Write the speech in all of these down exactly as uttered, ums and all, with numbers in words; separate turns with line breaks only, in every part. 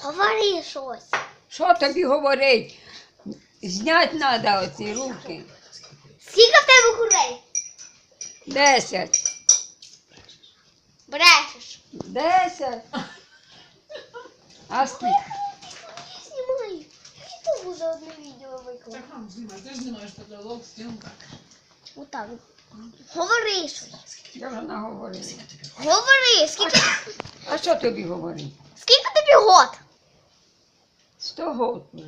Говори щось.
Що тобі говорить? Знять треба оці руки.
Скільки в тебе курей?
Десять.
Брешеш.
Десять. А скільки?
Я знімаю. Я ютубу за одне відео викладу.
Так нам знімай, ти ж знімаєш потолок, стінка.
Отак. Говори щось.
Я вже наговорила.
Говори. Скільки,
А що тобі говорить?
скільки тобі год?
Сто год вже.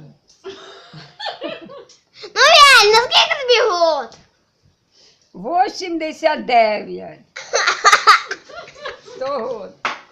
Ну реально, скільки тобі год?
Вісімдесят дев'ять. Сто год.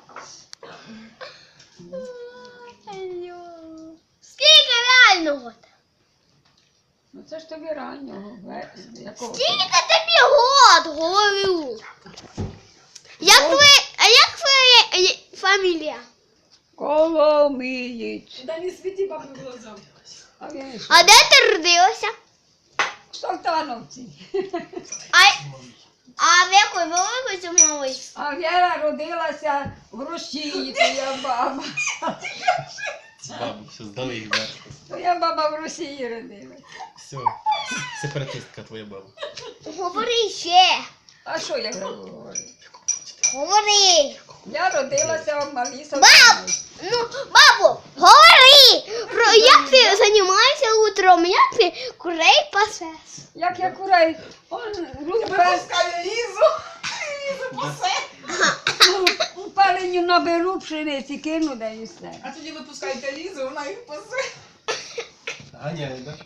Скільки реально год?
Ну це ж тобі раннього. Ве- Якого?
Скільки тобі год, говорю. Як твоя, а як твоя е, фамілія?
Коломієць.
Да не світі бабі в глаза.
А він що?
А де ти родилася?
В Салтановці.
А, а в якої великої чи малої?
А Віра родилася в Росії, то я баба.
Бабу, все, здали їх, да?
То я баба в Росії родилася.
Все, сепаратистка твоя баба.
Говори ще.
А що я говорю?
Говори.
Я родилася в Малій
Баб!
Салтановці.
Ну, бабу, говори. Про як ти займаєшся утром, як ти курей пасеш?
Як я курей, он руки
Випускає Лізу. Лізу пасе.
у паленю наберу пшениці, кину, да і все.
А тоді випускайте Лізу, вона їх пасе.
Ганяє, да?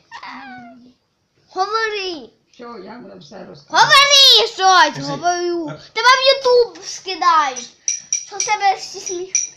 Говори.
Що, я вже все розказую.
Говори щось,
Кажи.
говорю. Тебе в Ютуб скидають. Що в тебе всі сміх?